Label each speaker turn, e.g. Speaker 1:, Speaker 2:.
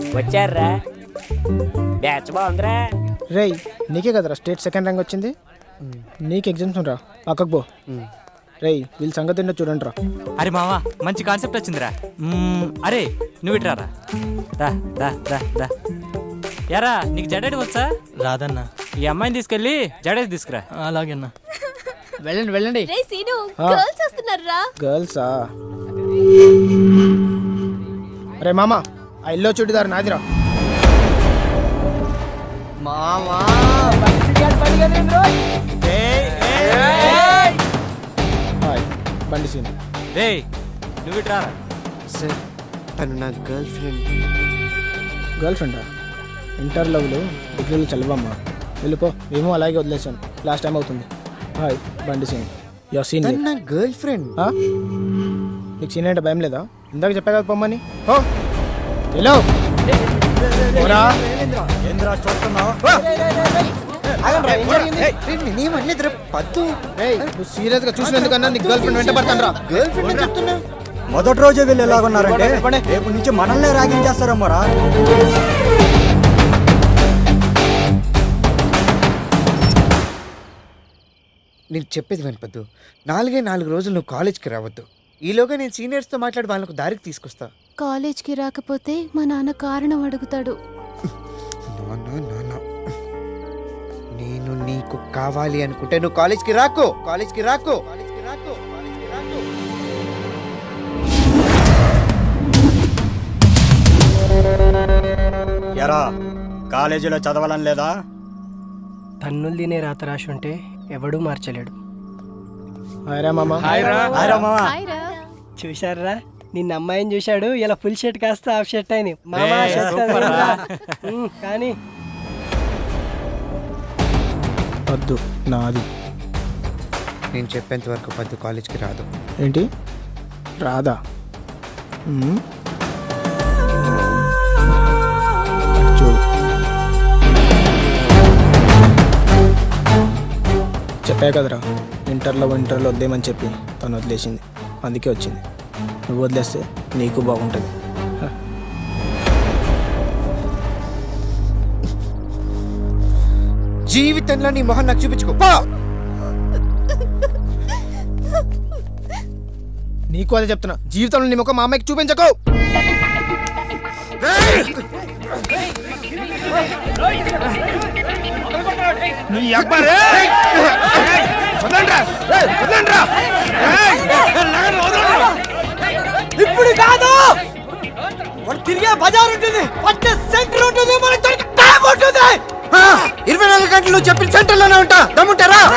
Speaker 1: వచ్చారా? బ్యాచ్ బాగుందిరా.
Speaker 2: రేయ్ నీకే కదరా స్టేట్ సెకండ్ ర్యాంక్ వచ్చింది. నీకు ఎగ్జామ్స్ రా, పక్కకు పో. రేయ్ వీళ్ళ సంగతి ఏంటో చూడండి రా.
Speaker 3: అరే మావా మంచి కాన్సెప్ట్ వచ్చిందిరా. అరే నువ్వు ఇట్రా రా రా రా రా రా. యారా నీకు జడేటి వచ్చా?
Speaker 4: రాదన్నా.
Speaker 3: ఈ అమ్మాయిని తీసుకెళ్ళి జడేసి తీసుకురా.
Speaker 4: అలాగేనా.
Speaker 2: వెళ్ళండి వెళ్ళండి. గర్ల్సా? అరే మామా ఆ ఇల్లో చుడిదారు నాదిరా.
Speaker 4: మామా
Speaker 2: హాయ్ బండి సీన్.
Speaker 3: రే నువ్వు ఇట్రా రా.
Speaker 5: సార్ తను నా గర్ల్ ఫ్రెండ్.
Speaker 2: గర్ల్ ఫ్రెండా? ఇంటర్ లవ్లు డిగ్రీలు చల్లవమ్మా. వెళ్ళిపో. మేము అలాగే వదిలేసాను, లాస్ట్ టైం అవుతుంది. హాయ్ బండి సీన్. Your scene.
Speaker 5: నా గర్ల్ ఫ్రెండ్.
Speaker 2: నీకు సీన్ అంటే భయం లేదా? ఇందాక చెప్పా కదా పొమ్మని. ఓ హలో నువ్వు సీరియస్ గా చూసినందుకన్నా నీ గర్ల్ ఫ్రెండ్ వెంట పడతాను రా.
Speaker 5: గర్ల్ ఫ్రెండ్ చెప్తున్నా.
Speaker 6: మొదటి రోజే వీళ్ళు ఎలాగున్నారంటే రేపు నుంచి మనల్నే ర్యాగింగ్ చేస్తారమ్మరా.
Speaker 5: నేను చెప్పేది వినపద్దు. 4 రోజులు నువ్వు కాలేజ్కి రావద్దు. ఈలోగా నేను సీనియర్స్తో మాట్లాడి వాళ్ళకు దారికి తీసుకొస్తా.
Speaker 7: కాలేజ్కి రాకపోతే మా నాన్న కారణం అడుగుతాడు.
Speaker 5: నేను నీకు కావాలి అనుకుంటే నువ్వు కాలేజ్కి రాకు.
Speaker 6: ఎరా కాలేజీలో చదవాలని లేదా?
Speaker 8: తన్నులు తినే రాత రాసి ఉంటే ఎవడూ మార్చలేడు.
Speaker 2: హాయ్రా మామా.
Speaker 8: చూశారా నిన్న అమ్మాయిని చూశాడు, ఇలా ఫుల్ షర్ట్ కాస్త హాఫ్ షర్ట్ అయింది. మామా కానీ
Speaker 2: వద్దు నాది.
Speaker 5: నేను చెప్పేంత వరకు పద్దు కాలేజ్కి రాదు.
Speaker 2: ఏంటి రాదా? చూడు చెప్పా కదరా, ఇంటర్లో వదిలేమని చెప్పి తను వదిలేసింది. అందుకే వచ్చింది. నువ్వు వదిలేస్తే నీకు బాగుంటుంది.
Speaker 5: జీవితంలో నీ మొహం నాకు చూపించుకో.
Speaker 2: నీకు అదే చెప్తున్నా, జీవితంలో నీ ముఖం మా అమ్మాయికి చూపించకు.
Speaker 8: ఇప్పుడు కాదు, వాడు తిరిగే బజార్ ఉంటుంది, పట్టే సెంటర్ ఉంటుంది, మనకి దొరికే టైం ఉంటుంది.
Speaker 5: 24 గంటలు చెప్పిన సెంటర్లోనే ఉంటా. దమ్ముంటారా?